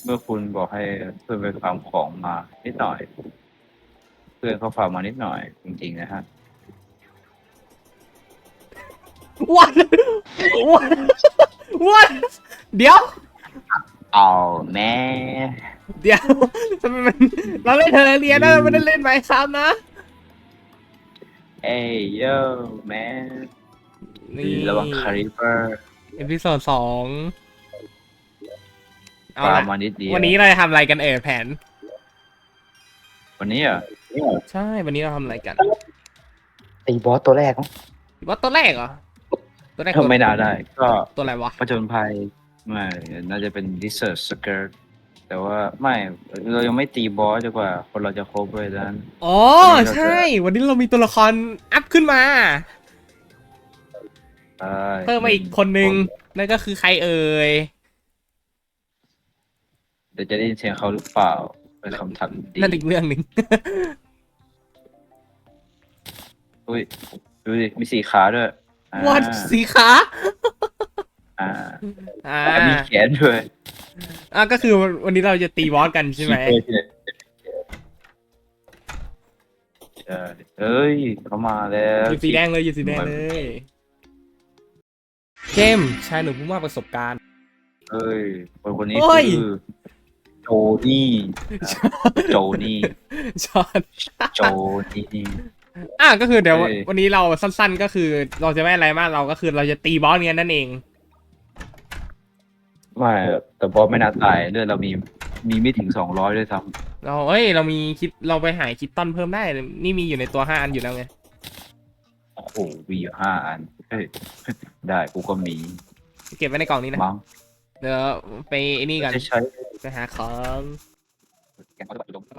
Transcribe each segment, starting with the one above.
เมื่อคุณบอกให้เพื่อนไปฟาร์มของมานิดหน่อยเพื่อนเขาฟาร์มมานิดหน่อยจริงๆนะฮะวันวันวันเดี๋ยวเอาแม่เดี๋ยวทำไมมันเราเล่นเทอร์เรียนนะเราไม่ได้เล่นไมค์ครับนะเอ้ยโย่แม่นี่ระวังคาริเปอร์เอพิโซด2เอาฟาร์ละมมานิดเดียววันนี้เราจะทำอะไรกันแผนวันนี้อ่ะใช่วันนี้เราทำอะไรกันตีบอสตัวแรกมั้งว่าตัวแรกเหรอตัวแรกตัวไม่น่าได้ก็ตัวอะไรวะผจญภัยไม่น่าจะเป็น Desert Skirt แต่ว่าไม่เรายังไม่ตีบอสจนกว่าคนเราจะครบเลยนั้นอ๋อใช่ วันนี้เรามีตัวละครอัพขึ้นมา เพิ่มมาอีกคนนึงนั่นก็คือใครเอ่ยเดี๋ยวจะได้ยินเสียงเขาหรือเปล่าเป็นคำถามดีนั่นอีกเรื่องหนึ่งอุ้ยดูดิมีสี่ขาด้วยวัดสีขาอ่าอ่าแต่มีแขนด้วยก็คือวันนี้เราจะตีบอสกันใช่ไหมใช่เอ้ยเขามาแล้วอยู่สีแดงเลยอยู่สีแดงเลยเกมชายหนุ่มผู้มากประสบการณ์เอ้ยคนนี้เฮ้ยคือโจนี่โจนี่ชอนโจนี่ก็คือเดี๋ยวเฮ้ยวันนี้เราสั้นๆก็คือเราจะไม่อะไรมากเราก็คือเราจะตีบอสเนี้ยนั่นเองไม่แต่บอสไม่น่าตายเลือดเรามีไม่ถึง200ด้วยซ้ำเรามีคิดเราไปหาคิดตันเพิ่มได้นี่มีอยู่ในตัว5 อันอยู่แล้วไงโอ้โหมีอยู่5 อันเฮ้ยได้กูก็มีเก็บไว้ในกล่องนี้นะมั้งเดี๋ยวไปไอ้นี่กันจะใช้ไปหาของแกงเขาจะแบบอยู่ตรง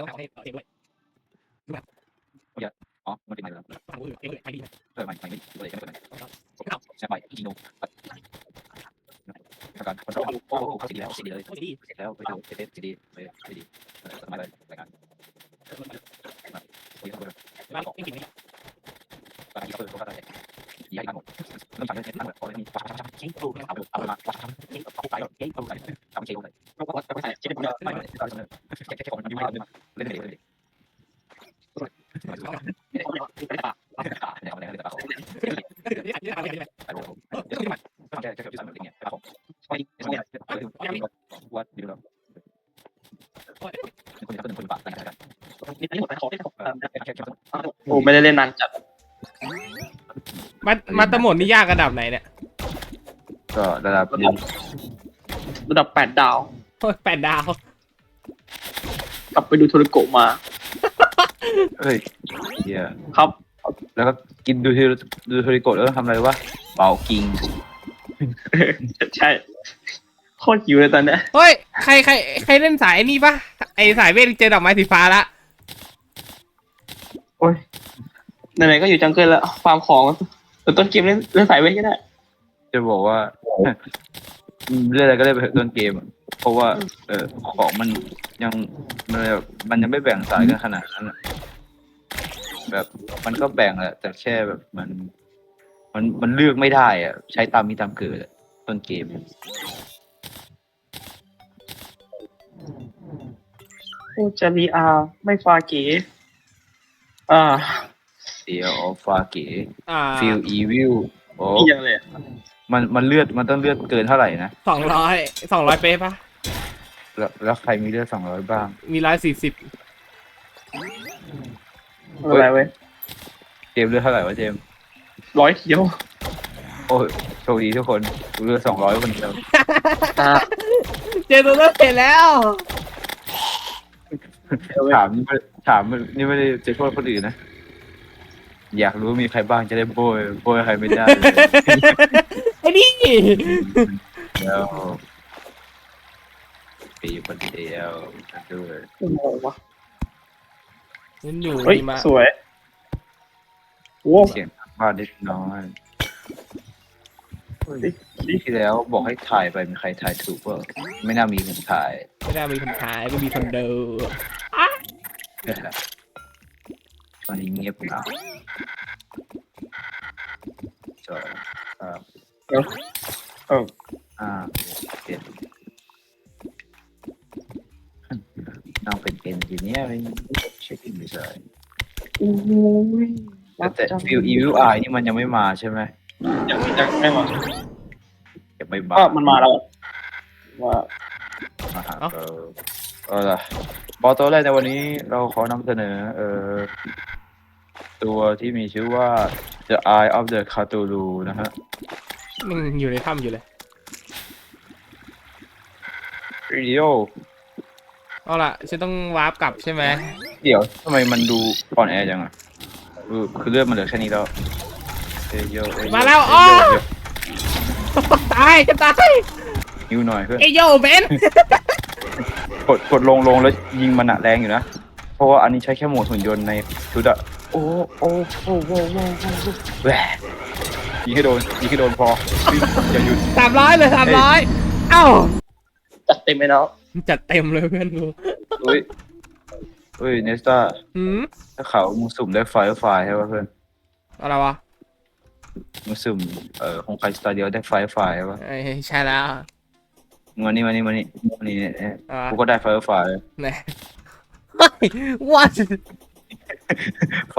อ๋อมันเป็นอะไรล่ะไม่เลยไม่ใช่ไปจีโน่การคนเราโอ้โหเขาสีดีแล้วสีดีเลยเสร็จแล้วไปดูเสร็จสีดีเลยสีดีสมัยเลยรายการโอ้ยเขาเลยตอนนี้เขาเลยเขาได้ย้ายมาหมดเริ่มจากเรื่องนั้นเลยพอเลยมีเอามาเอาไปทำเชลเลยก็ไม่ใช่เชลไม่ได้แค่คนมันไม่ได้เล่นเลยว่าดีแล้วคนจะเป็นคนบาปอะไรกันนี่หมดไปขอได้โอ้ไม่ได้เล่นนานจัดมาตะหมดนี่ยากระดับไหนเนี่ยก็ระดับระดับ8 ดาวโอ้ย8 ดาวกลับไปดูโทรโกะมาเฮ้ยเฮียครับแล้วก็กินดูโทริโกะแล้วทำอะไรวะเป่ากิงใช่โคตรหิวเลยตอนเนี้ยเฮ้ยใครเล่นสายนี่ปะไอสายเวทเจอดอกไม้สีฟ้าละโอ้ยไหนๆก็อยู่จังเกิลแล้วฟาร์มของต้นเกมเล่นสายเวทก็ได้จะบอกว่าเรื่องอะไรก็ได้ไปต้นเกมเพราะว่าของมันยังมันยังไม่แบ่งสายกันขนาดนั้นแบบมันก็แบ่งแหละแต่แค่แบบมันเลือกไม่ได้อ่ะใช้ตามมีตามเกิดต้นเกมโอ้จารีอาไม่ฟาเก๋เดียวออฟฟาเก๋ฟิฟิลอีวิลโอ้นี่ยังเลยมันเลือดมันต้องเลือดเกินเท่าไหร่นะ 200เป๊ะปะแล้วใครมีเลือด200บ้างมี140 อะไรเว้ยเจมส์เลือดเท่าไหร่วะเจมส์ 100เขียวโอ้ยโชคดีทุกคนกูเลือด200คนเดียวเจอตัวเลือกเสร็จแล้วถามนี่ไม่ได้จะโทษคนอื่นนะอยากรู้ว่ามีใครบ้างจะได้โบยใครไม่ได้เลยไอ้นี่แล้วปีคนเดียวด้วยโอ้โหวะมันอยู่เฮ้ยดีมาสวยโอ้เสียงบ้านเล็กน้อยที่แล้วบอกให้ถ่ายไปมีใครถ่ายถูกว่าไม่น่ามีคนถ่ายไม่ได้มีคนขายไม่มีคนเดินตอนนี้เงียบเหงาจอเออ 7 นั่งเป็นเอนจิเนียร์เช็คอินดีไซน์โอ้ยแต่ฟิลอีวิลไอนี่มันยังไม่มาใช่ไหมยังไม่มายังไม่มาก็มันมาแล้วว่ามาหาล่ะบอลตัวแรกในวันนี้เราขอนำเสนอตัวที่มีชื่อว่า The Eye of the Cthulhu นะฮะมันอยู่ในถ้ำอยู่เลยวิดีโอเอาล่ะฉันต้องวาร์ปกลับใช่ไหมเดี๋ยวทำไมมันดูอ่อนแอจังอ่ะคือเลือดมันเหลือแค่นี้แล้วเอยโยเอยโยมาแล้วเยอ๋อโยตายจะตายนิ้วหน่อยเพื่อนเอยโยเบนกดลงแล้วยิงมันอะแรงอยู่นะ เพราะว่าอันนี้ใช้แค่โหมดหุ่นยนต์ในชุดอะโอ้แหวยิงให้โดนพออย่าหยุด 300เลย300เอ้าจัดเต็มไปแล้วจัดเต็มเลยเพื่อนกูเฮ้ยเนสตาหืมถ้าเขามึงสุ่มได้ไฟใช่ป่ะเพื่อนอะไรวะมึงสุ่มของใครสตาร์เดียวได้ไฟใช่ป่ะเอ้ยใช่แล้วมึงมานี่เนี่ยอ่ากูก็ได้ไฟไหนเฮ้ย what ไฟ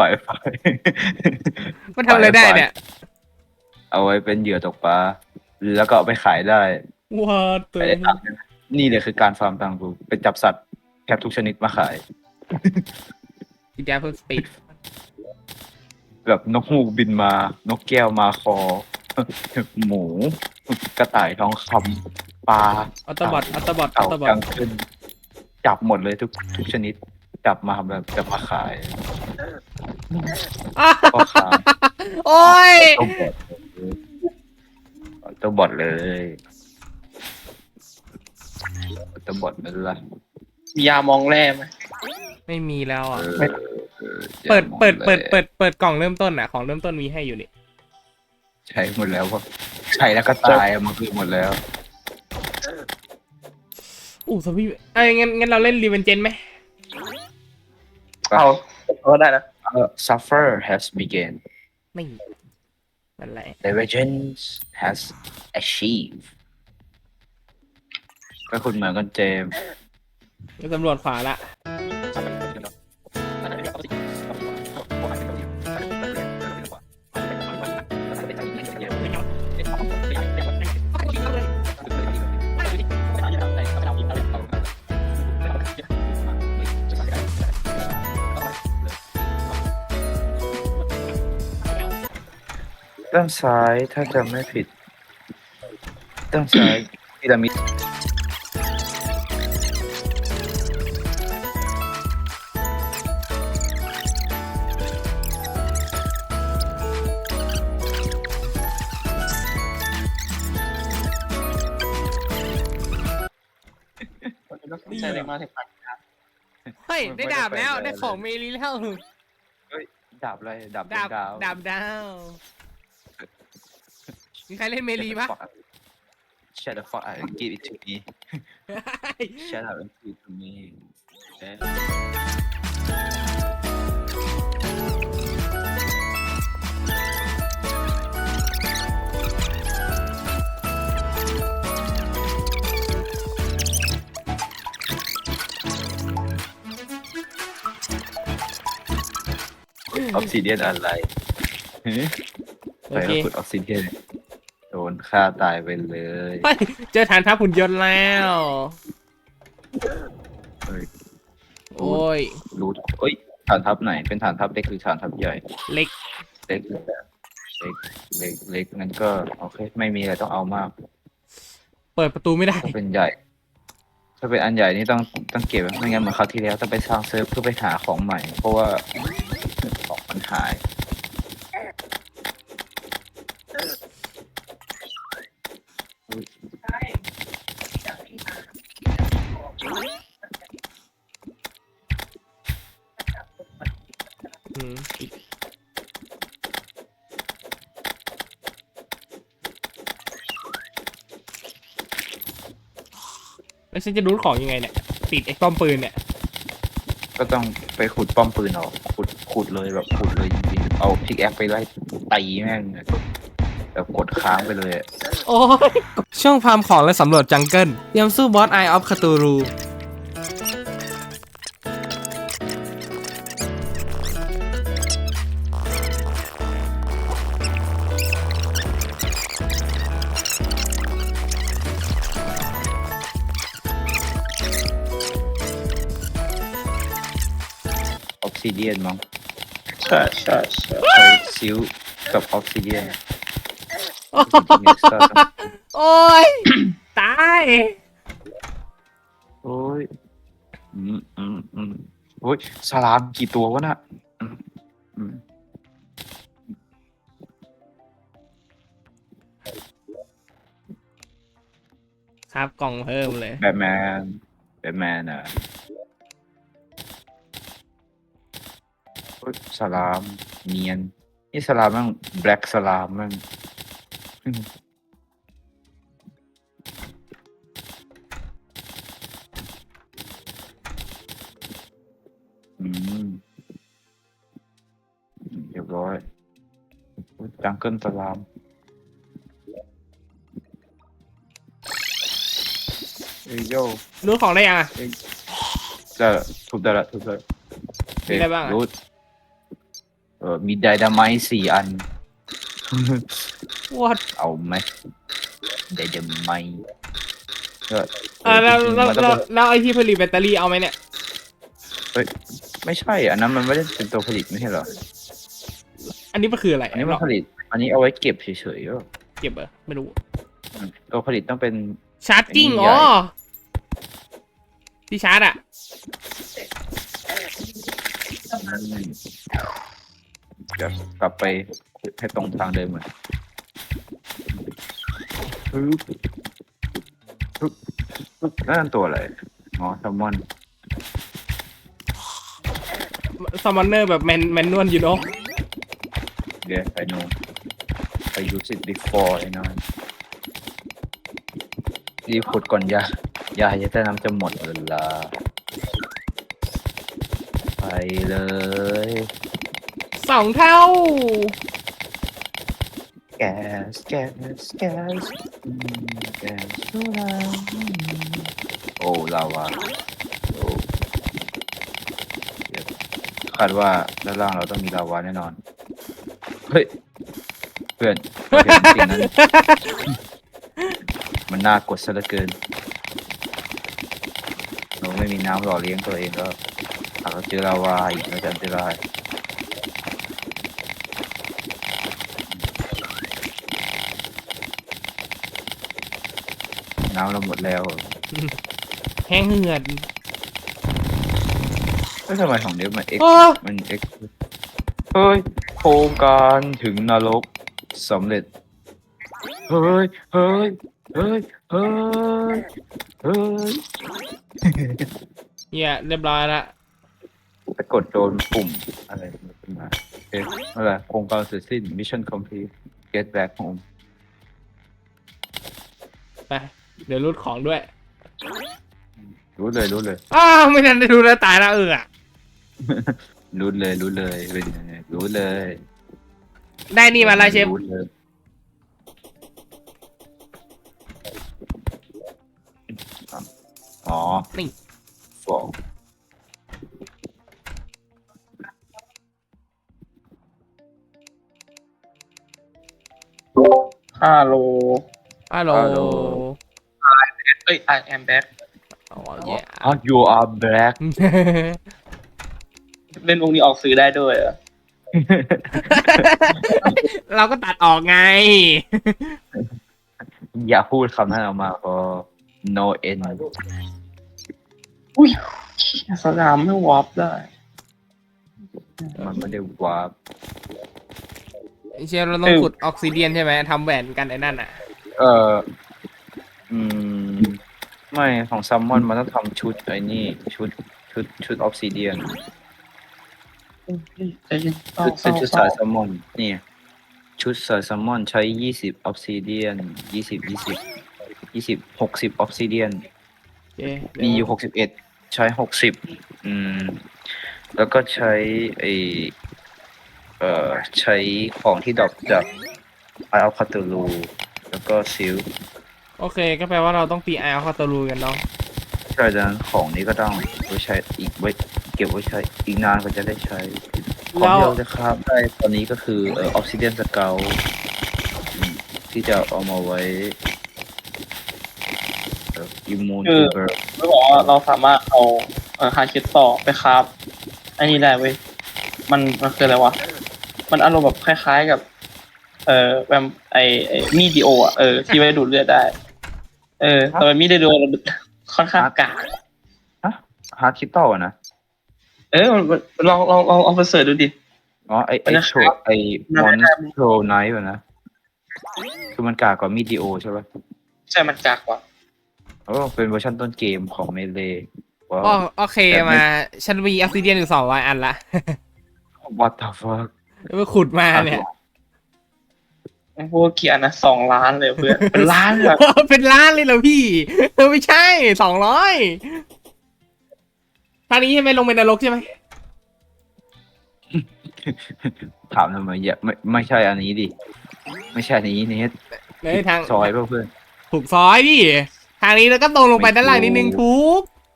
มันทำอะไรได้เนี่ยเอาไว้เป็นเหยื่อตกปลาแล้วก็เอาไปขายได้ what ไม่ได้ตังค์นะนี่เลยคือการฟาร์มตังค์กูไปจับสัตว์แทบทุกชนิดมาขายอีแกเพิ่มสปีดแบบนกฮูกบินมา นกแก้วมาคอ หมู กระต่ายทองคำปลาออโตบอทออโตบอทออเต่าโตบอกัทงขึ้น จับหมดเลยทุกชนิด จับมาแบบจะมาขาย พ่อค้าโอ้ยตัวบอทเลยตัวบอทนั่นละมียามองแร่ไหมไม่มีแล้วอ่ะเออเปิดกล่องเริ่มต้นอ่ะของเริ่มต้นมีให้อยู่นี่ใช้หมดแล้วก็ใช้แล้วก็ตายมันคือหมดแล้วอู้สพี่เอ้ยงั้นเราเล่นรีเวนเจนไหมเอาได้นะ Suffer has begun ไม่นั่นแหละ The vengeance has achieved ก็คุณเหมือนกันเจมส์ไปตำรวจขวาละด้านซ้ายถ้าจำไม่ผิดด้านซ้ายพีระมิดใช่เลยมาถึงพันเฮ้ยได้ดาบแล้วได้ของเมลีแล้วดาบอะไรดาบดาบดาวดาบดาวมีใครเล่นเมลีปะ Shut the fuck up and give it to me Shut up and give it to me ออฟซิเดียนอะไรโอไปเคแล้วขุดออฟซิเดียนโดนฆ่าตายไปเลยเฮ้ยเจอฐานทัพหุ่นยนต์แล้วเฮ้ยโอ้ยรู้เอ้ยฐานทัพไหนเป็นฐานทัพเล็กหรือฐานทัพใหญ่เล็กเล็กเล็กงั้นก็โอเคไม่มีอะไรต้องเอามากเปิดประตูไม่ได้ถ้าเป็นใหญ่ ถ้าเป็นอันใหญ่นี่ต้องเก็บไว้ไม่งั้นเหมือนคราวที่แล้วต้องไปสร้างเซิร์ฟเพื่อไปหาของใหม่ เพราะว่าของมันหายอืมแล้วฉันจะรู้ของยังไงเนี่ยติดไอ้ป้อมปืนเนี่ยก็ต้องไปขุดป้อมปืนออกขุดเลยแบบขุดเลยจริงๆเอาพิกแอคไปไล่ตีแม่งแบบกดค้างไปเลยอะโอ้ยช่วงฟาร์มของและสำรวจจังเกิลเตรียมสู้บอสไอออฟคาตูรูซิเดียนมั้งใช่ใช่ใช่ใช้ซิลกับออฟซิเดียนโอ้ย ตายโอ้ยโอ้ยสลามกี่ตัววะน่ะอืมครับกล่องเพิ่มเลยแบทแมนอ่ะโอ้ยสลามเนียนนี่สลามมั่งแบล็กสลามมั่งอืมเรียบร้อยโอ้ยจังเกิลสลามเอ้ยโยรู้ของได้ยังอ่ะได้ละทุบได้ละทุบได้ละมีอะไรบ้างอะรูทมีไดนาไมต์4 อัน What เอาไหมไดนาไมต์ก็แล้วจริงๆแล้วมันต้องแล้วเป็นแล้วไอที่ผลิตแบตเตอรี่เอาไหมเนี่ยเฮ้ยไม่ใช่อันนั้นมันไม่ได้เป็นตัวผลิตไม่ใช่เหรออันนี้มันคืออะไรอันนี้มันผลิต อันนี้เอาไว้เก็บเฉยๆก็เก็บเหรอไม่รู้ตัวผลิตต้องเป็นชาร์จจิ้งอันนี้อ๋อใหญ่ที่ชาร์จอ่ะเดี๋ยวกลับไปให้ตรงทางเดิมเหมือนนั่นตัวอะไรอ๋อแซลมอนซัมมอนเนอร์แบบแมนนวลอยู่เนาะเดี๋ยวไปโน่ไป use it before ไอ้น้อยรีบขุดก่อนยาจะได้น้ำจะหมดเวลาไปเลย 2 เท่าแก๊สแก๊สแก๊สแก๊สโซดาโอ้ลาวาโอ้เดี๋ยวคาดว่าด้านล่างเราต้องมีลาวาแน่นอน เฮ้ย เพื่อนเราเห็นสิ่งนั้น มันน่ากดซะเหลือเกิน เราไม่มีน้ำหล่อเลี้ยงตัวเองก็หากเราเจอลาวาอีกเราจะอันตรายน้ำเราหมดแล้วแห้งเหือดแล้วทำไมของเนี้ยมัน X โอ้มัน X เฮ้ย โครงการถึงนรกสำเร็จ เฮ้ย เฮ้ย เฮ้ย เฮ้ย เฮ้ยเหี้ยเรียบร้อยละไปกดโดนปุ่มอะไรขึ้นมาโอเคอะไรโครงการเสร็จสิ้น mission complete get back home ไปเดี๋ยวรูดของด้วยรู้เลยอ้าวไม่ทันได้ดูแล้วตายแล้วอ่ะรู้เลยเป็นยังไงรู้เลยได้นี่มาแล้วเชฟรู้เลยอ๋อนี่ฟอง 5 โลฮัลโหลเอ้ย I am back อ๋อเย่อ๋อ you are black เล่นวงนี้ออกสื่อได้ด้วยเหรอเราก็ตัดออกไงอย่าพูดคำนั้นออกมาพอ no end อุ้ยสนามไม่วอร์ปได้มันไม่ได้วาร์ปเชฟเราต้องขุดออกซิเดียนใช่ไหมทำแหวนกันไอ้นั่นอ่ะเอออืม ไม่ของซัมมอนมันต้องทำชุดไอ้นี่ชุดออฟซิเดียนใจเย็นเศร้าชุดเศร้าสายซัมมอนนี่ชุดสายซัมมอนใช้20ออฟซิเดียน60ออฟซิเดียนเอ๊ะมีอยู่61ใช้60แล้วก็ใช้ไอใช้ของที่ดรอปจากไออัลคาตูลูแล้วก็ซิลโอเค ก็แปลว่าเราต้องตีไออัลคาตาลูกันเนาะใช่ดังนั้นของนี้ก็ต้องไว้ใช้อีกไว้เก็บไว้ใช้อีกนานกว่าจะได้ใช้ของที่เราจะคราฟได้ตอนนี้ก็คือออฟซิเดียนสเกลที่จะเอามาไว้อิมมูนทูเบอร์ไม่บอกว่าเราสามารถเอาฮาร์ดคิดต่อไปครับอันนี้ได้เว้ยมันคืออะไรวะมันอารมณ์แบบคล้ายๆกับแวมมีดดีโออ่ะที่ไว้ดูดเลือดได้แต่มันมีดดีโอค่อนข้างกากฮะฮาร์ดคริสตัลอะนะลองเอาไปเสิร์ชดูดิอ๋อไอมันจะโชขายไอมอนโทรไนท์นะคือมันกากกว่ามีดีโอใช่ปะใช่มันกากกว่าโอ้เป็นเวอร์ชันต้นเกมของเมเลว้าวโอเคมาฉันมีออ s ซิเดียนอยู่200 อันละ what the fuck แล้วไปขุดมาเนี่ยพวกเกียร์นะ2 ล้านเลยเพื่อน เป็นล้านเลยเป็นล้านเลยเหรอพี่ไม่ใช่200ท่านี้ใช่ไหมลงเป็นนรกใช่ไหมถามทำไมอย่าไม่ใช่อันนี้ดิไม่ใช่อันนี้เนทในทางซอยเปล่าเพื่อนถูกซอยดิทางนี้แล้วก็ตรงลงไปด้านล่างนิดนึงทุก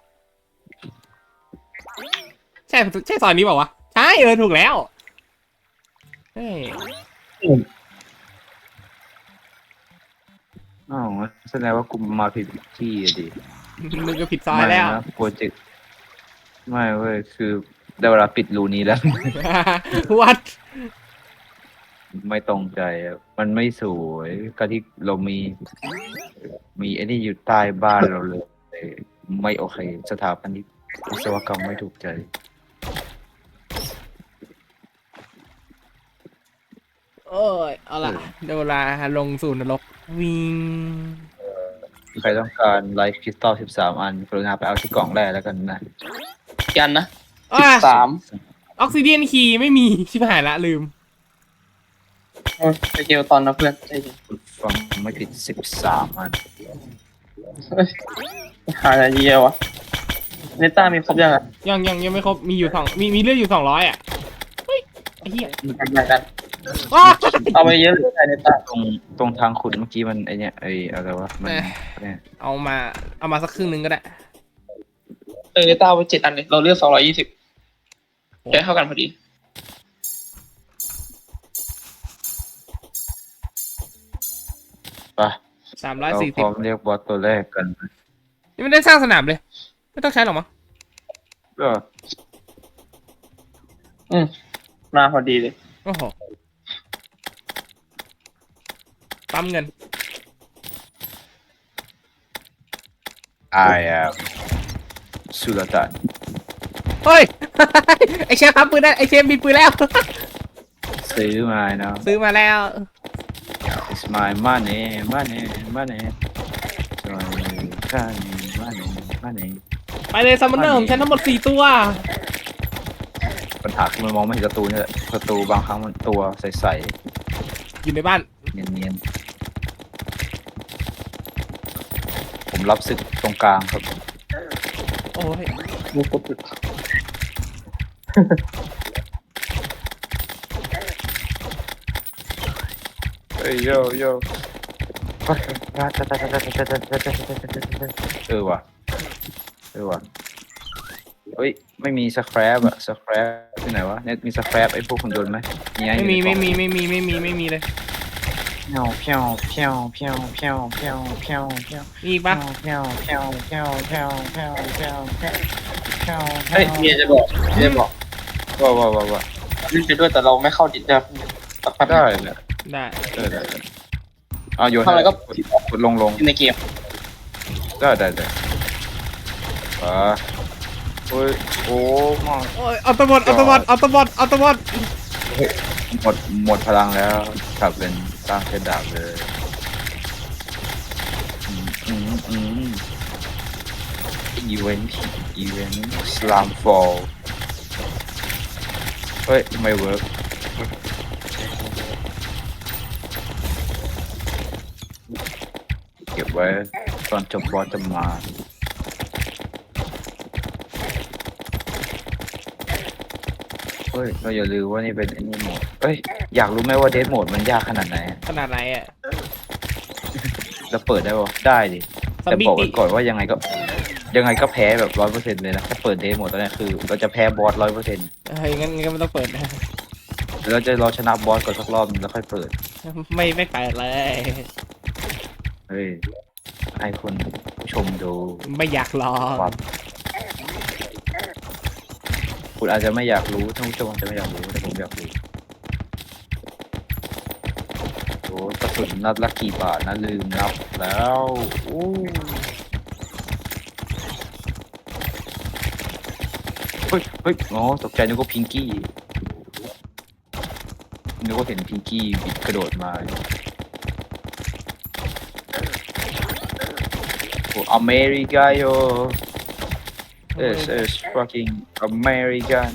ใช่ซอยนี้เปล่าวะใช่ถูกแล้วเฮ้ยอ้าวแสดงว่ากูมาผิดที่อะดิมึงก็ผิดซอยแล้วไม่นะโปรเจกต์ไม่เว้ยคือได้เวลาปิดรูนี้แล้ววัดไม่ตรงใจอะมันไม่สวยก็ที่เรามีไอ้นี่อยู่ใต้บ้านเราเลยไม่โอเคสถาปนิกวิศวกรรมไม่ถูกใจโอ้ยเอาล่ะเดี๋ยวเวลาลงสู่นรกวิ่งใครต้องการไลฟ์คริสตัล13 อันกรุณาไปเอาที่กล่องแรกแล้วกันนะกันนะอ่ะ 13 ออกซิเดียนคีย์ไม่มีชิบหายละลืมไปเกลตอนนะเพื่อนใจเย็นฟังไม่ผิด13 อันหาอะไรเยอะวะเนต้ามีครบยังอ่ะยังไม่ครบมีอยู่มีเลือดอยู่200อ่ะเฮ้ยไอ้เหี้ยแบ่งกันอ้าวเอาไปเยอะเลยเนต้าตรงทางขุดเมื่อกี้มันไอเนี่ยไออะไรวะมันเนี่ยเอามาสักครึ่งหนึงก็ได้เนต้าเอาไป7 อันเลยเราเลือก220ได้เท่ากันพอดีไปเราพร้อม 340 เรียกบอสตัวแรกกันนี่ไม่ได้สร้างสนามเลย ไม่ต้องใช้หรอกมั้งก็มาพอดีเลยโอ้โหปั๊มเงิน I am สุลต่านเฮ้ย ไอเชฟปั๊มปืนได้ไอเชฟมีปืนแล้วซื้อมาเนาะซื้อมาแล้ว It's my money money money money ไปเลยซัมมอนเนอร์ของฉันทั้งหมด4 ตัวปัญหาคือมันมองไม่เห็นศัตรูนี่แหละศัตรูบางครั้งมันตัวใสอยู่ในบ้านๆเนียนๆผมรับศึกตรงกลางครับโอ้ยมีครบอยู่เฮ้ยโยโย่เออว่ะเฮ้ยไม่มีสครับอะสครับที่ไหนวะเน็ตมีสครับไอ้พวกหุ่นยนต์ไหมมีไงไม่มีเลยเพี้ยวเพี้ยวเพี้ยวเพี้ยวเพี้ยวเพี้ยวเพี้ยวเพี้ยวมีอีกปะเพี้ยวเพี้ยวเพี้ยวเพี้ยวเพี้ยวเพี้ยวเพี้ยวเพี้ยวเฮ้ยเมียจะบอกว่าวิ่งไปด้วยแต่เราไม่เข้าดิจะสักพักได้เนี่ยได้ได้เอาโยนทำอะไรก็กดลงในเกมได้โอ้ยโอ้มาโอ้ยอัตบอดหมดพลังแล้วกลับเป็นสร้างเซตดาบเลยอีเวนต์สลามฟอลเฮ้ยไม่เวิร์กเก็บไว้ตอนจบบอสจะมาเฮ้ยเราอย่าลืมว่านี่เป็นอันนี้โหมดเอ้ยอยากรู้ไหมว่าเดทโหมดมันยากขนาดไหนขนาดไหนอ่ะเราเปิดได้ปะได้ดิซอมแต่บี้บอกไว้ก่อนว่ายังไงก็แพ้แบบ100%เลยนะถ้าเปิดเดทโหมดตอนนี้คือเราจะแพ้บอส100% เฮ้ยงั้นไม่ต้องเปิดนะเราจะรอชนะบอสก่อนสักรอบนึงแล้วค่อยเปิดไม่เปิดเลยเฮ้ยให้คนผู้ชมดูไม่อยากรอความคุณอาจจะไม่อยากรู้ท่านผู้ชมอาจจะไม่อยากรู้แต่ผมอยากรู้โอ้กระสุนนัดละกี่บาทนะลืมนับแล้วโอ้เฮ้ยเฮ้ยอ๋อตกใจนึกว่าพิงกี้นึกว่าเห็นพิงกี้บิดกระโดดมาโอ้อเมริกาโย This is fucking American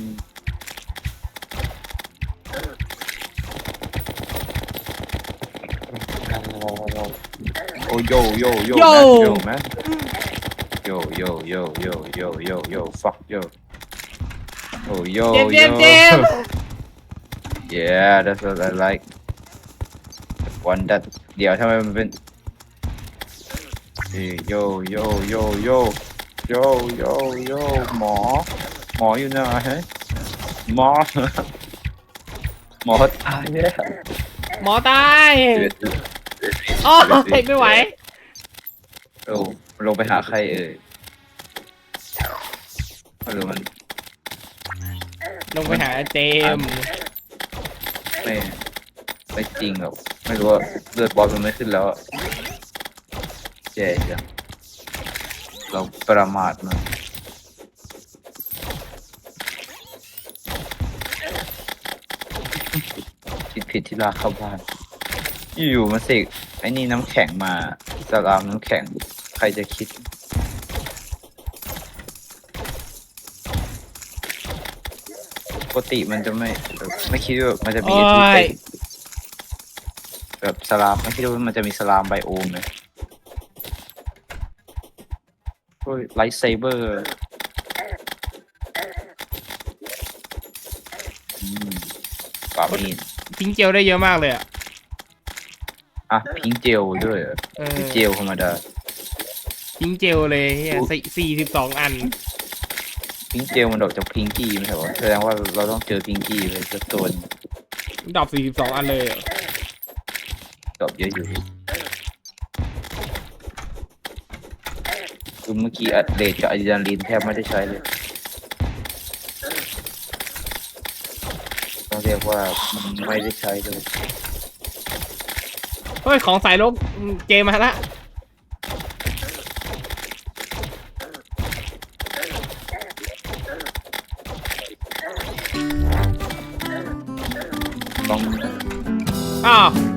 โอ้โยโยโย man yo yo yo yo yo yo yo fuck yo oh yo เจมส์เจ yo มส์เจมส์ yeah that's what I like one that เดี๋ยวทำไมมันเป็นโยโยโยโยโยโยโยหมออยู่ไหนฮะหมอ หมอตายแล้วหมอตายโอ้ยไม่ไหวโอ้ลงไปหาใครเอ่ยไม่รู้มันลงไปหาเจมส์ไม่จริงหรอกไม่รู้ว่าเลือดบอลมันไม่ขึ้นแล้วอะแย่จังเราประมาทมันคิดผิดที่ลากเข้าบ้านอยู่ๆมาเสกไอ้นี่น้ำแข็งมาสลามน้ำแข็งใครจะคิดปกติมันจะไม่คิดว่ามันจะมีโอ้ที่ยเป็นแบบสลามไม่คิดว่ามันจะมีสลามไบโอมเลยโอ้ยไลท์เซเบอร์ปามีดทิ้งเจลได้เยอะมากเลยอ่ะอ่ะพิงเจลด้วยเหรอเออหรือเจลธรรมดาทิ้งเจลเลยเฮีย42 อันพิงเจลมันดอกจากพิงกี้ไม่ใช่เหรอแสดงว่าเราต้องเจอพิงกี้เลยสักตัวหนึ่งดรอป42 อันเลยเหรอดอกเยอะอยู่คือเมื่อกี้อัดเลดกับอะดรีนาลีนแทบไม่ได้ใช้เลยต้องเรียกว่ามันไม่ได้ใช้เลยเฮ้ย ของสายลบเจมมาละต้องอ้าว